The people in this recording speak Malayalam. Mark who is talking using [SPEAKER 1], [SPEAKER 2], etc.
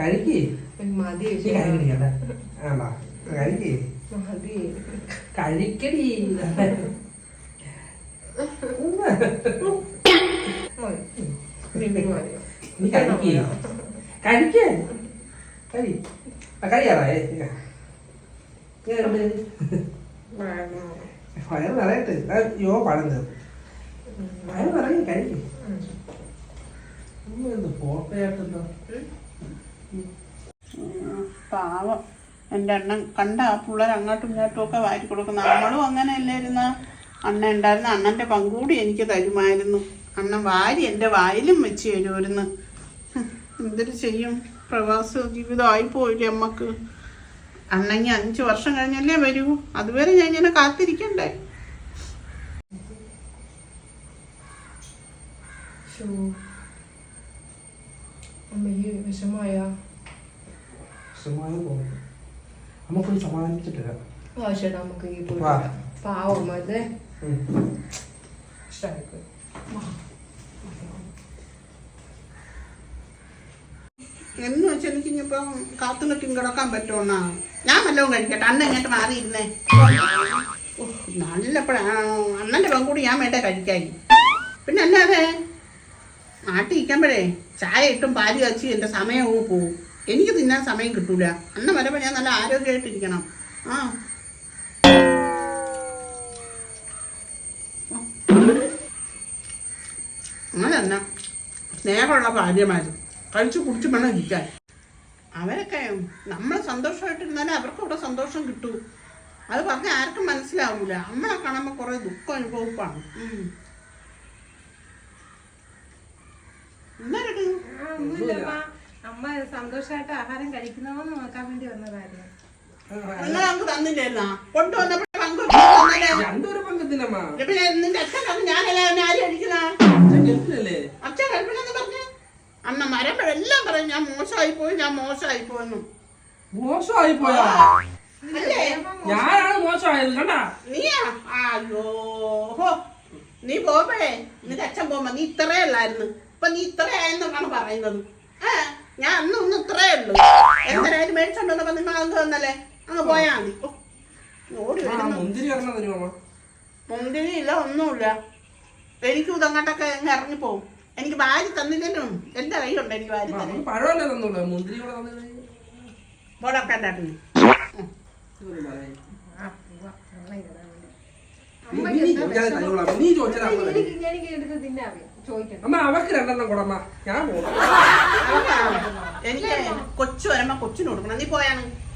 [SPEAKER 1] കഴിക്ക്
[SPEAKER 2] മതി
[SPEAKER 1] കഴിക്ക്
[SPEAKER 2] മതി
[SPEAKER 1] കഴിക്കടി നീ കഴിക്ക് കഴിക്ക് കഴി കഴിയാറായേ വയറ് നിറയട്ടെ യോ പഴം തീർന്നു വയറ് നിറയെ കഴിക്ക് ഫോട്ടോയായിട്ടെന്തോ
[SPEAKER 3] പാവം എൻ്റെ അണ്ണൻ കണ്ട ആ പിള്ളേർ അങ്ങോട്ടും ഇങ്ങോട്ടും ഒക്കെ വാരി കൊടുക്കും. നമ്മളും അങ്ങനെ അല്ലായിരുന്ന അണ്ണൻ ഉണ്ടായിരുന്ന അണ്ണൻ്റെ പങ്കൂടി എനിക്ക് തരുമായിരുന്നു. അണ്ണൻ വാരി എൻ്റെ വായിലും വെച്ച് തരുമായിരുന്നു. എന്തൊരു ചെയ്യും, പ്രവാസ ജീവിതമായി പോയില്ലേ അമ്മക്ക്. അണ്ണങ്ങി 5 വർഷം കഴിഞ്ഞല്ലേ വരൂ, അതുവരെ ഞാൻ ഇങ്ങനെ കാത്തിരിക്കണ്ടേ.
[SPEAKER 2] അമ്മയ്ക്ക് വിഷമായ
[SPEAKER 1] നമുക്കൊന്ന് സമാധാനിപ്പിച്ചിട്ടില്ല.
[SPEAKER 2] ചേട്ടാ നമുക്ക് ഈ പാവം അതെ ഇഷ്ടമായിപ്പോയി.
[SPEAKER 3] എന്ന് വെച്ചാൽ എനിക്ക് ഇനിയിപ്പം കാത്തുനിൽക്കും കിടക്കാൻ പറ്റുമെന്നാ. ഞാൻ വല്ലതും കഴിക്കട്ടെ, അണ്ണൻ ഇങ്ങോട്ട് മാറിയിരുന്നേ. നല്ലപ്പോഴാ അണ്ണൻ്റെ പങ്കൂടി ഞാൻ വേണ്ട കഴിക്കായി. പിന്നെ അല്ലാതെ നാട്ടിൽ ഇരിക്കുമ്പോഴേ ചായ ഇട്ടും പാല് കാച്ചി എൻ്റെ സമയവും പോവും. എനിക്ക് തിന്നാൻ സമയം കിട്ടൂല. അണ്ണൻ വരുമ്പോൾ ഞാൻ നല്ല ആരോഗ്യമായിട്ടിരിക്കണം. ആ അങ്ങനെ തന്നെ സ്നേഹമുള്ള ഭാര്യമാർ കഴിച്ചു കുടിച്ച് വേണം ഇരിക്കാൻ. അവരൊക്കെ നമ്മൾ സന്തോഷമായിട്ടിരുന്നാലേ അവർക്ക് അവിടെ സന്തോഷം കിട്ടൂ. അത് പറഞ്ഞാൽ ആർക്കും മനസ്സിലാവൂല. നമ്മളെ കാണുമ്പോൾ കുറേ ദുഃഖം അനുഭവപ്പാണ്.
[SPEAKER 2] അമ്മ സന്തോഷമായിട്ട് ആഹാരം കഴിക്കുന്നവന്ന് നോക്കാൻ വേണ്ടി വന്നതായിരുന്നു.
[SPEAKER 3] നിങ്ങൾ നമുക്ക് തന്നില്ലായിരുന്നാ കൊണ്ടുവന്നപ്പോഴേ നിന്റെ അച്ഛൻ പറഞ്ഞു ഞാനെല്ലാം ആരും അടിക്കുന്ന അച്ഛൻ കഴിക്കണമെന്ന് പറഞ്ഞു. അമ്മ മരമ്പഴെല്ലാം പറയും ഞാൻ മോശമായി പോയി, ഞാൻ മോശമായി പോയെന്നു.
[SPEAKER 1] മോശമായി പോയാ ഞാനാണ് മോശമായത് കണ്ടാ
[SPEAKER 3] നീയാ? അയ്യോ നീ പോകുമ്പോഴേ നിന്റെ അച്ഛൻ പോകുമ്പോ നീ ഇത്രേ ഉള്ളായിരുന്നു, ഇപ്പൊ നീ ഇത്രയായെന്നാണ് പറയുന്നത്. ഞാൻ അന്ന് ഇത്രേ ഉള്ളു. എന്തായാലും മേടിച്ചോണ്ടപ്പോ നിങ്ങൾ അങ്ങ് തന്നല്ലേ, അങ്ങ് പോയാ മതി. ഓടി വരുന്നു. മുന്തിരി ഇല്ല, ഒന്നുമില്ല. എനിക്കും ഇതങ്ങോട്ടൊക്കെ ഇറങ്ങിപ്പോവും. എനിക്ക് വാരി തന്നില്ലും എന്റെ കയ്യിലുണ്ട്. എനിക്ക് വാരി തന്നെ ബോടൊക്കെ ഉണ്ടായിരുന്നു. എനിക്ക് കൊച്ചു വരുമ്പോ കൊച്ചിന് കൊടുക്കണം. നീ പോയാണ്